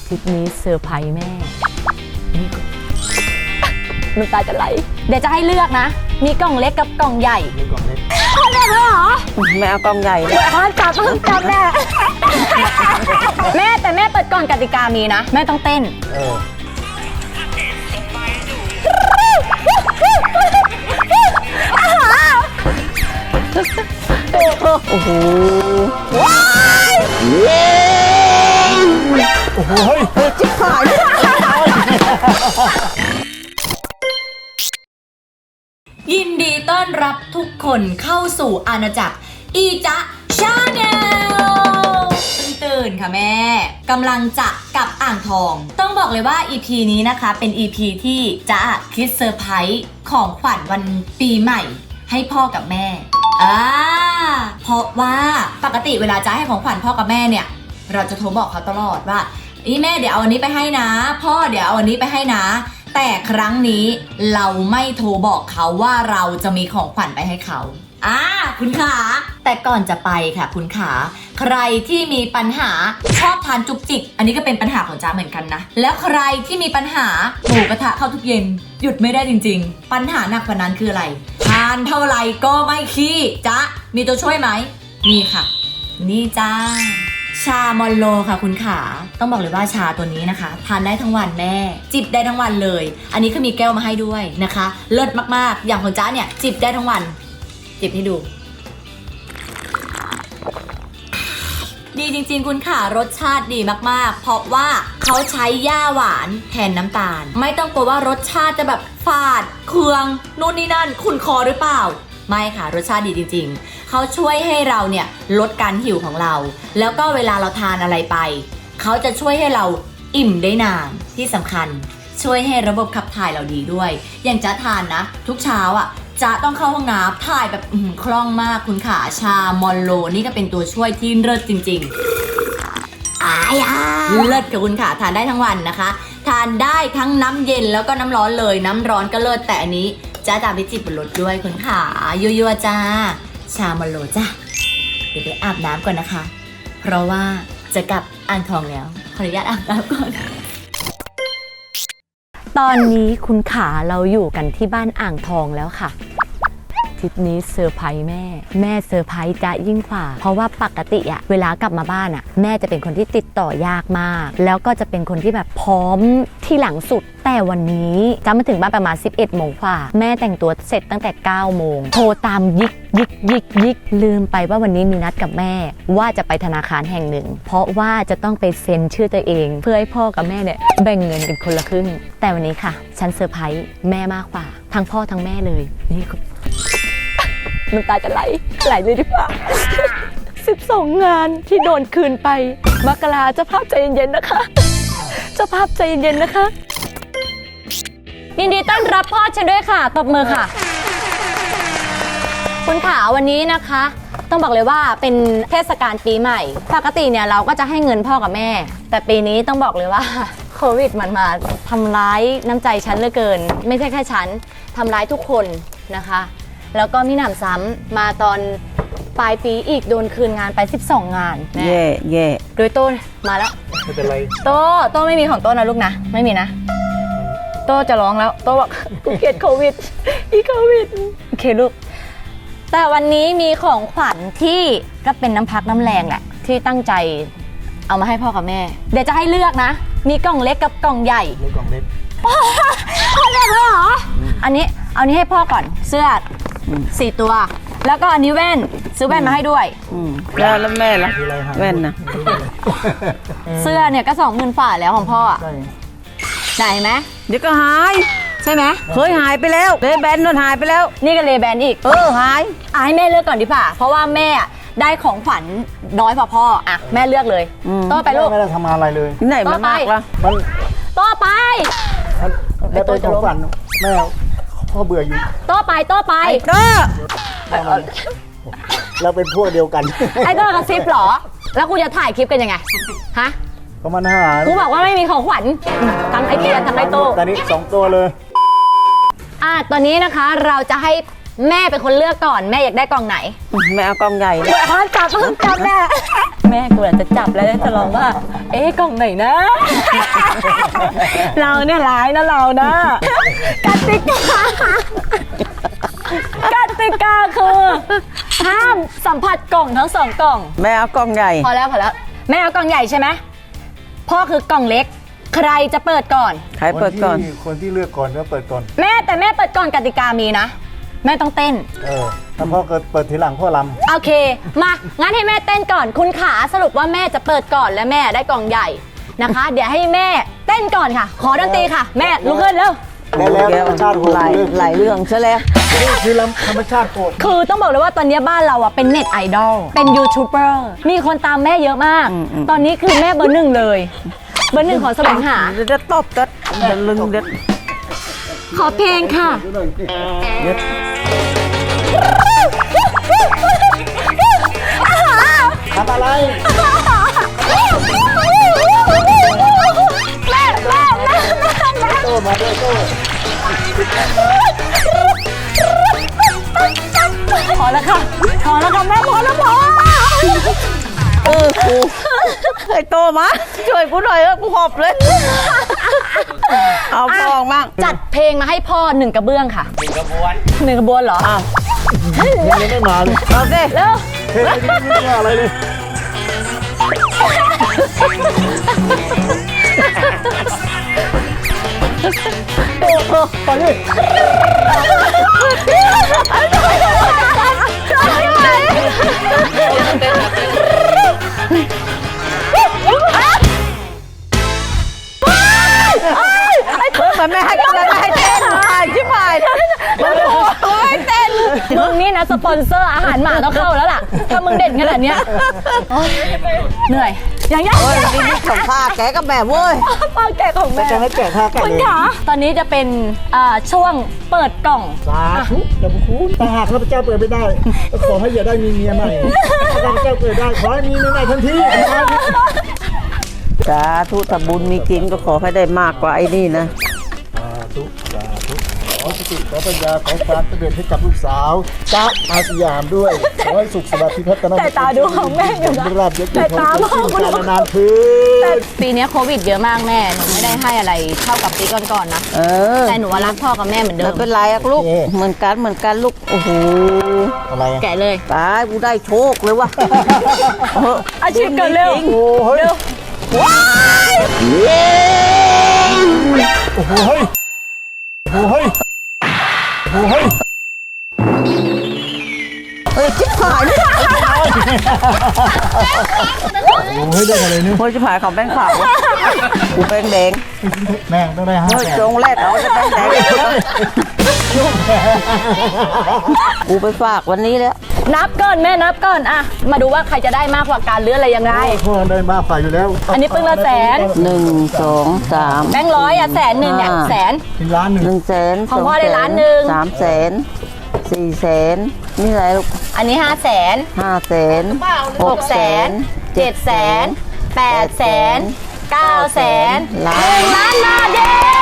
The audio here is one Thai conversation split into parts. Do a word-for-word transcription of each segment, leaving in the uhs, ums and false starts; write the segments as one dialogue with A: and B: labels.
A: ทริปนี้เซอร์ไพรส์แม่นี่น้ำตาจะไหลเดี๋ยวจะให้เลือกนะมีกล่องเล็กกับกล่องใหญ่
B: มีกล่องเล็ก
A: พ่อเลือกเหรอ
C: แม่เอากล่องใหญ่
A: พ่อจับพ่อจับแม่แม่แต่แม่เปิดก่อนกติกามีนะแม่ต้องเต้น
B: เออ
A: โอ้โห
B: ว้ายโอ้โหจิ๊บหาย
A: ยินดีต้อนรับทุกคนเข้าสู่อาณาจักรอีจ๊ะชาแนลตื่นค่ะแม่กำลังจะกลับอ่างทองต้องบอกเลยว่า อี พี นี้นะคะเป็น อี พี ที่จ๊ะคิดเซอร์ไพรส์ของขวัญวันปีใหม่ให้พ่อกับแม่อ่าเพราะว่าปกติเวลาจ๊ะให้ของขวัญพ่อกับแม่เนี่ยเราจะโทรบอกเขาตลอดว่าอีแม่เดี๋ยวเอาอันนี้ไปให้นะพ่อเดี๋ยวเอาอันนี้ไปให้นะแต่ครั้งนี้เราไม่โทรบอกเขาว่าเราจะมีของขวัญไปให้เขาอ่าคุณขาแต่ก่อนจะไปค่ะคุณขาใครที่มีปัญหาชอบทานจุกจิกอันนี้ก็เป็นปัญหาของจ๊ะเหมือนกันนะแล้วใครที่มีปัญหาหมูกระทะเข้าทุกเย็นหยุดไม่ได้จริงๆปัญหาหนักกว่านั้นคืออะไรทานเท่าไหร่ก็ไม่ขี้จ๊ะมีตัวช่วยไหมมีค่ะนี่จ้าชามอลโลค่ะคุณขาต้องบอกเลยว่าชาตัวนี้นะคะทานได้ทั้งวันแม่จิบได้ทั้งวันเลยอันนี้ก็มีแก้วมาให้ด้วยนะคะเลิศมากๆอย่างของจ๊ะเนี่ยจิบได้ทั้งวันจิบให้ดูดีจริงๆคุณขารสชาติดีมากๆเพราะว่าเขาใช้หญ้าหวานแทนน้ำตาลไม่ต้องกลัวว่ารสชาติจะแบบฝาดเคืองนู่นนี่นั่นขุ่นคอหรือเปล่าไม่ค่ะรสชาติดีจริงๆเขาช่วยให้เราเนี่ยลดการหิวของเราแล้วก็เวลาเราทานอะไรไปเขาจะช่วยให้เราอิ่มได้นานที่สำคัญช่วยให้ระบบขับถ่ายเราดีด้วยอย่างจ๊ะทานนะทุกเช้าอ่ะจ๊ะต้องเข้าห้องน้ำถ่ายแบบคล่องมากคุณขาชามอลโลนี่ก็เป็นตัวช่วยที่เลิศจริงๆอายาเลิศกับคุณขาทานได้ทั้งวันนะคะทานได้ทั้งน้ำเย็นแล้วก็น้ำร้อนเลยน้ำร้อนก็เลิศแต่อันนี้จ้าจะไปจิบบนรถด้วยคุณขายั่วๆจ้าชามอลโลจ้าเดี๋ยวไปอาบน้ำก่อนนะคะเพราะว่าจะกลับอ่างทองแล้วขออนุญาตอาบน้ำก่อนตอนนี้คุณขาเราอยู่กันที่บ้านอ่างทองแล้วค่ะทริปนี้เซอร์ไพรส์แม่แม่เซอร์ไพรส์จะยิ่งกว่าเพราะว่าปกติอะเวลากลับมาบ้านอะแม่จะเป็นคนที่ติดต่อยากมากแล้วก็จะเป็นคนที่แบบพร้อมที่หลังสุดแต่วันนี้จะมาถึงบ้านประมาณสิบเอ็ดโมงกว่าแม่แต่งตัวเสร็จตั้งแต่เก้าโมงโทรตามยิกยิกยิกยิกลืมไปว่าวันนี้มีนัดกับแม่ว่าจะไปธนาคารแห่งหนึ่งเพราะว่าจะต้องไปเซ็นชื่อตัวเองเพื่อให้พ่อกับแม่เนี่ยแบ่งเงินกันคนละครึ่งแต่วันนี้ค่ะฉันเซอร์ไพรส์แม่มากกว่าทั้งพ่อทั้งแม่เลยนี่น้ำตาจะไหลไหลเลยดีกว่าสิบสองงานที่โดนคืนไปมกราเจ้าภาพใจเย็นๆนะคะเจ้าภาพใจเย็นๆนะคะยินดีต้อนรับพ่อฉันด้วยค่ะตบมือค่ะคุณขาวันนี้นะคะต้องบอกเลยว่าเป็นเทศกาลปีใหม่ปกติเนี่ยเราก็จะให้เงินพ่อกับแม่แต่ปีนี้ต้องบอกเลยว่าโควิดมันมาทำร้ายน้ำใจฉันเหลือเกินไม่ใช่แค่ฉันทำร้ายทุกคนนะคะแล้วก็มีหนำซ้ำมาตอนปลายปีอีกโดนคืนงานไปสิบสองงานแม่
C: เย่เย่
A: โดยโต้มาแล้ว
B: ไม่เป็นไร
A: โต้โต้ไม่มีของโต้นะลูกนะไม่มีนะโต้จะร้องแล้วโต้บอกกูเกลียดโควิดอีโควิดโอเคลูกแต่วันนี้มีของขวัญที่ก็เป็นน้ำพักน้ำแรงแหละที่ตั้งใจเอามาให้พ่อกับแม่เดี๋ยวจะให้เลือกนะมีกล่องเล็กกับกล่องใหญ่
B: มีกล่องเล็ก
A: พ่อเลือกเหรออันนี้เอานี้ให้พ่อก่อนเสื้อสี่ตัวแล้วก็อันนี้แว่นซื้อแว่นมาให้ด้วย
C: แล้วแล้วแม่ล่ะแว่นนะ
A: เสื้อเนี่ยก็สองหมื่นฝ่าแล้วของพ่อใช่ไหม
C: เดี๋ยวก็หาย
A: ใช่ไหม
C: เคยหายไปแล้วเลแบนนนหายไปแล้ว
A: นี่ก็เลแบนอีก
C: เออหาย
A: อ่ะให้แม่เลือกก่อนดีกว่าเพราะว่าแม่ได้ของขวัญน้อยกว่าพ่ออ่ะแม่เลือกเลยต่อไปลูก
B: ไม่ได้ทำอะไรเลย
C: ไหนมามากล่ะ
B: มัน
A: ต่อไป
B: แล้วตัวของขวัญแม่พ่อเบื่ออยู่
A: ต่อไปต่อไป
C: เด้อ
B: เราเป็นพวกเดียวกัน
A: ไอ้เด้อกระซิบหรอแล้วกูจะถ่ายคลิปกันยังไงฮะ
B: ก็มันหา
A: กูบอกว่าไม่มีของขวัญทั้งไอ้เกียร์ทั้งไอ้โต้
B: ตอนนี้สองตัวเลย
A: อ่ะตอนนี้นะคะเราจะให้แม่เป็นคนเลือกก่อนแม่อยากได้กล่องไหน
C: แม่เอากล่องใหญ่
A: พ่อจับพ่อจับแม่แม่กูอาจจะจับแล้วจะร้องว่า เอ๊ะกล่องไหนนะ เราเนี่ยร้ายนะเรานะกติกากติกาคือห้ามสัมผัสกล่องทั้งสองกล่อง
C: แม่เอากล่องใหญ่
A: พอแล้วพอแล้วแม่เอากล่องใหญ่ใช่ไหมพ่อคือกล่องเล็ก ใครจะเปิดก่อน
C: ใครเปิดก่อน
B: คนที่คนที่เลือกก่อนก็เปิดก่อน
A: แม่แต่แม่เปิดก่อนกติกามีนะ แม่ต้องเต้น
B: เออถ้าพ่อเกิดเปิดทีหลังพ่อล
A: โอเค มางั้นให้แม่เต้นก่อนคุณขาสรุปว่าแม่จะเปิดก่อนและแม่ได้กล่องใหญ่นะคะ เดี๋ยวให้แม่เต้นก่อนค่ะ ขอดนตรีค่ะ แม่ลุกขึ้นเร็ว
B: ำแล้วแล้วธรรมชาติโหด
C: หลาย
B: เลย
C: หลายเรื่องซะแล้ว
B: นี่คือลำธรรมชาติโหด
A: คือต้องบอกเลยว่าตอนนี้บ้านเราอ่ะเป็นเน็ตไอดอลเป็นยูทูบเบอร์มีคนตามแม่เยอะมาก
C: อืมอืม
A: ตอนนี้คือแม่เบอร์หนึ่งเลยเบอร์หนึ่งของแสวงหา
C: เดี๋ยวจะตบจะจะลึงเด็ด
A: ขอเพลงค่ะ
C: เด็ด
B: ทำอะไร
A: แม่แม่แม่แม่
B: โต้มาด้วยโต้
A: พอแล้วค่ะพอแล้วค่ะแม่พอแล้วพอ
C: เออกูไอ้โตมาช่วยกูหน่อยเออกูหอบเลย เอาฟองมั่ง
A: จัดเพลงมาให้พ่อหนึ่งกระเบื้องค่ะหนึ่งกระบวนหนึ่งกระบวนเหรอ
C: อ้าว
B: ยังไม่มาเลย
C: เอาสิ
A: เร็ว
B: เฮ้ยยังไม่มาอะไรเลยโอ้โหไปดิ
C: มันไม่ให้มันไม่ให้เต้นหายชิบหายมันโอ้ยเต้น
A: มึงนี่นะสปอนเซอร์อาหารหมาต้องเข้าแล้วล่ะถ้ามึงเด่นขนาดเนี้ยโอ๊ยเหนื่อยอย่างยัง
C: โอ้ยนี่นี่ของข้าแกก็แบบเว้ย
A: ป้าแกะของแม่
B: จะให้แกะท่าแกะ
A: คุณ
B: เลย
A: ขาตอนนี้จะเป็นอ่าช่วงเปิดกล่อง
B: สาธุอย่าบุคุณแต่หากข้าพเจ้าเปิดไม่ได้ก็ขอให้อย่าได้มีเมียใหม่ถ้าข้าพเจ้าเปิดได้ขอให้มีเมียใหม่ทันที
C: สาธุถ้าบุญมีกินก็ขอให้ได้มากกว่าไอ้นี่นะ
B: สาธุสาธุขอสติขอปัญญาขอความสำเร็จให้กับลูกสาวจ๊ะอาสยามด้วยขอให้สุขสวัสดิ์พิพัฒนา
A: แต่ตาดูของแม่อยู่นะ
B: ราบยศ
A: แต่ตา
B: ข
A: ม
B: อ
A: อง
B: ง
A: คุณ
B: การนานคื
A: แต่
B: น
A: ปีนี้โควิดเยอะมากแม่หนูไม่ได้ให้อะไรเท่ากับปีก่อนๆนะ
C: เออ
A: แต่หนูว่ารักพ่อกับแม่เหมือนเดิ
C: ไม่
A: ม
C: เป็นไรอะลูก เหมือนกันเหมือนกันลูก โอ้โห
B: อะไรอะ
A: แกะเลย
C: ตายกูได้โชคเลยว่ะ
A: อาชีพกันเร็ว
C: จง
B: โอ้โหเฮ้ยโอ้โหเฮ้ยโอ้โหเฮ้ยโอ้โหเฮ้ย
C: เฮ้ยชิบหายเลย
B: โอ้โหเฮ้ยได้อะไรเนี่ย
C: เฮ้ยชิบหายของแบงค์ขาวกูแบงค์แดง
B: แม่งต้องได้ห้า
C: เฮ้ย
B: แสน
C: จงแรกเอาจะแบงค์แดงกูไปฝากวันนี้แล้ว
A: นับก่อนแม่นับก่อนอะมาดูว่าใครจะได้มากกว่ากันหรืออะไรยังไง
B: พ่อได้มากฝ่ายอยู่แล้ว
A: อันนี้ปึ้งละแสน
C: หนึ่งสองสาม
A: แบงค์ร้อยอะแสนหนึ่งเนี่ย
C: อ่า
A: แสน
B: เป็นล้านหนึ่ง
C: หนึ่งแสน
A: ของพ่อได้ล้านหนึ่ง
C: สามแสนสี่แสนนี่อะไรลูก
A: อันนี้ห้าแสน
C: ห้าแสน
A: หกแสนเจ็ดแสนแปดแสนเก้าแสนห
C: ล้า
A: นึ่
C: น
A: งล้านบาทเย้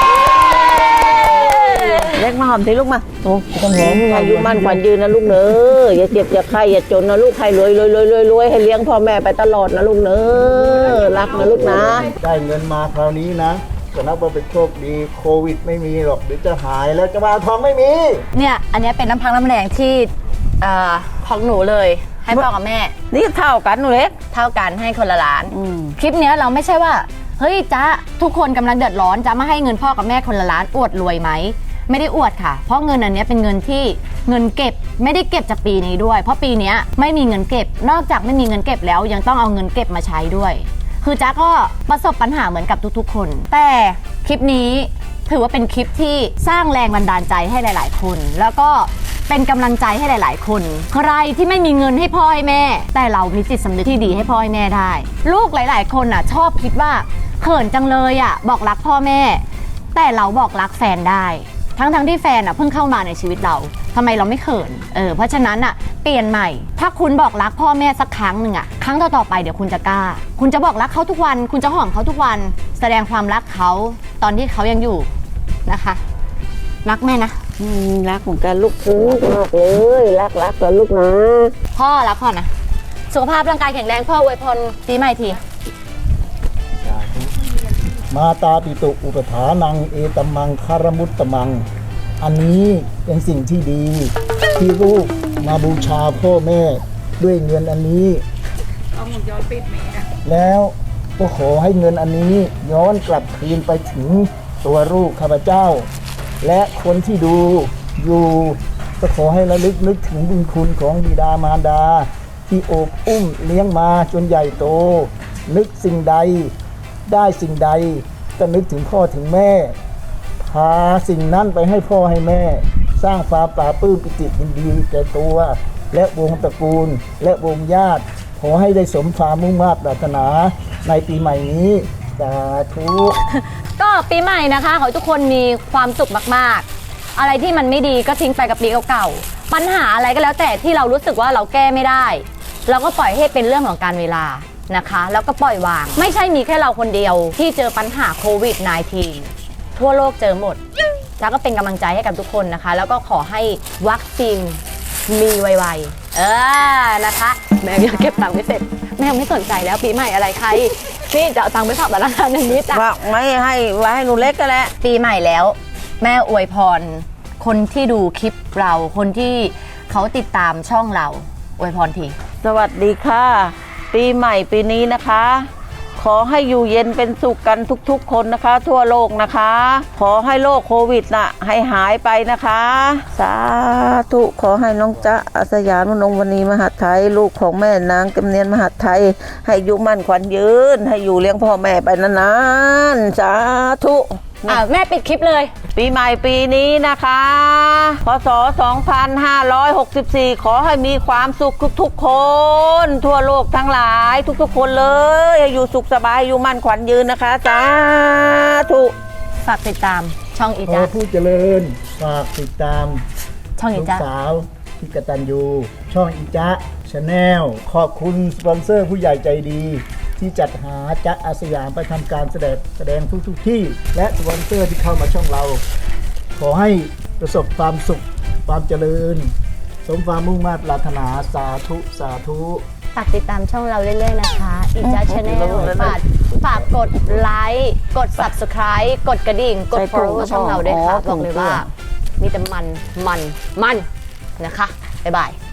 C: เล็กมาหอมทีลูกมาโอ้
B: ต้องหอม
C: อายุมั่นขวัญยืนนะลูกเนอะอย่าเจ็บอย่าไข้อย่าจนนะลูกให้รวยรวยรวยรวยรวยให้เลี้ยงพ่อแม่ไปตลอดนะลูกเนอะรักนะลูกนะ
B: ได้เงินมาคราวนี้นะก็นับว่าเป็นโชคดีโควิดไม่มีหรอกเดี๋ยวจะหายแล้วจะมาทองไม่มี
A: เนี่ยอันนี้เป็นน้ำพักน้ำแรงที่เอ่อของหนูเลยให้พ่อกับแม่
C: นี่เท่ากันหนูเล็ก
A: เท่ากันให้คนละล้าน
C: อืม
A: คลิปเนี้ยเราไม่ใช่ว่าเฮ้ยจ๊ะทุกคนกำลังเดือดร้อนจะมาให้เงินพ่อกับแม่คนละล้านอวดรวยไหมไม่ได้อวดค่ะ เพราะเงินอันเนี้ยเป็นเงินที่เงินเก็บไม่ได้เก็บจากปีนี้ด้วย เพราะปีเนี้ยไม่มีเงินเก็บนอกจากไม่มีเงินเก็บแล้วยังต้องเอาเงินเก็บมาใช้ด้วย คือจ๊ะก็ประสบปัญหาเหมือนกับทุกๆ คน แต่คลิปนี้ถือว่าเป็นคลิปที่สร้างแรงบันดาลใจให้หลาย ๆ คน แล้วก็เป็นกำลังใจให้หลาย ๆ คน ใครที่ไม่มีเงินให้พ่อให้แม่ แต่เรามีจิตสำนึกที่ดีให้พ่อให้แม่ได้ ลูกหลาย ๆ คนอ่ะชอบคิดว่าเขินจังเลยอ่ะบอกรักพ่อแม่ แต่เราบอกรักแฟนได้ ทั้งๆที่แฟนอ่ะเพิ่งเข้ามาในชีวิตเราทำไมเราไม่เขินเออเพราะฉะนั้นอ่ะเปลี่ยนใหม่ ถ้าคุณบอกรักพ่อแม่สักครั้งหนึ่งอ่ะครั้งต่อๆไปเดี๋ยวคุณจะกล้า คุณจะบอกรักเขาทุกวัน คุณจะหอมเขาทุกวัน แสดงความรักเขาตอนที่เขายังอยู่นะคะ รักแม่นะ
C: อืมรักเหมือนกันลูกรักมากเลยรักรักกันลูกนะ
A: พ่อรักพ่อนะ
C: สุขภาพร่างกายแข็งแรงพ่ออวยพรปีใหม่ที
B: มาตาปิตุอุปถานังเอตมังคารมุตตมัง อันนี้เป็นสิ่งที่ดี ที่ลูกมาบูชาพ่อแม่ด้วยเงินอันนี้เอาหมดย้อนปิดไหมแล้วก็ขอให้เงินอันนี้ย้อนกลับคืนไปถึงตัวลูกข้าพเจ้า และคนที่ดูอยู่ก็ขอให้ระลึกนึกถึงบุญคุณของบิดามารดา ที่โอบอุ้มเลี้ยงมาจนใหญ่โต นึกสิ่งใดได้สิ่งใดก็นึกถึงพ่อถึงแม่พาสิ่งนั้นไปให้พ่อให้แม่ สร้างความปราบปลื้มปิติยินดีแก่ตัว และวงตระกูลและวงญาติขอให้ได้สมความมุ่งมั่นปรารถนาในปีใหม่นี้สาธุ
C: ก็ปีใหม่นะคะขอให้ทุกคนมีความสุขมากๆ อะไรที่มันไม่ดีก็ทิ้งไปกับปีเก่าๆปัญหาอะไรก็แล้วแต่ที่เรารู้สึกว่าเราแก้ไม่ได้เราก็ปล่อยให้เป็นเรื่องของการเวลานะคะแล้วก็ปล่อยวางไม่ใช่มีแค่เราคนเดียวที่เจอปัญหาโควิด สิบเก้า ทั่วโลกเจอหมดแล้วก็เป็นกำลังใจให้กับทุกคนนะคะแล้วก็ขอให้วัคซีนมีไวๆเออนะคะแม่ยังเก็บตังค์ไม่เสร็จแม่ไม่สนใจแล้วปีใหม่อะไรใครนี่จะเอาตังค์ไปฝากธนาคารอย่างนี้จ้ะว่าไม่ให้ไว้ให้หนูเล็กก็แล้วปีใหม่แล้วแม่อวยพรคนที่ดูคลิปเราคนที่เขาติดตามช่องเราอวยพรทีสวัสดีค่ะปีใหม่ปีนี้นะคะขอให้อยู่เย็นเป็นสุขกันทุกๆคนนะคะทั่วโลกนะคะขอให้โรคโควิดน่ะให้หายไปนะคะสาธุขอให้น้องจ๊ะอาสยามนงวณีมหาไทยลูกของแม่นางกำเนียนมหาไทยให้อยู่มั่นขวัญยืนให้อยู่เลี้ยงพ่อแม่ไปนานๆสาธุอ่ะแม่ปิดคลิปเลยปีใหม่ปีนี้นะคะพศสองพันห้าร้อยหกสิบสี่ขอให้มีความสุขทุกๆคนทั่วโลกทั้งหลายทุกๆคนเลยให้อยู่สุขสบายอยู่มั่นขวัญยืนนะคะสาธุฝากติดตามช่องอี
B: ขอ
C: จ๊ะ
B: ผู้เจริญฝากติดตาม
C: ช่องอี
B: ลูก
C: จ๊ะ
B: สาวที่กตัญญูช่องอีจ๊ะชาแนลขอบคุณสปอนเซอร์ผู้ใหญ่ใจดี ที่จัดหาจ๊ะอาสยามไปทำการแสดงแสดงทุกๆที่ และสปอนเซอร์ที่เข้ามาช่องเรา ขอให้ประสบความสุขความเจริญ สมความมุ่งมั่นปรารถนาสาธุสาธุ
C: ฝากติดตามช่องเราเรื่อยๆนะคะอีจ๊ะชาแนลฝากฝากกดไลค์กด ซับสไครบ์ กดกระดิ่งกด follow ช่องเราด้วยค่ะบอกเลยว่ามีแต่มันมันมันนะคะบ๊ายบาย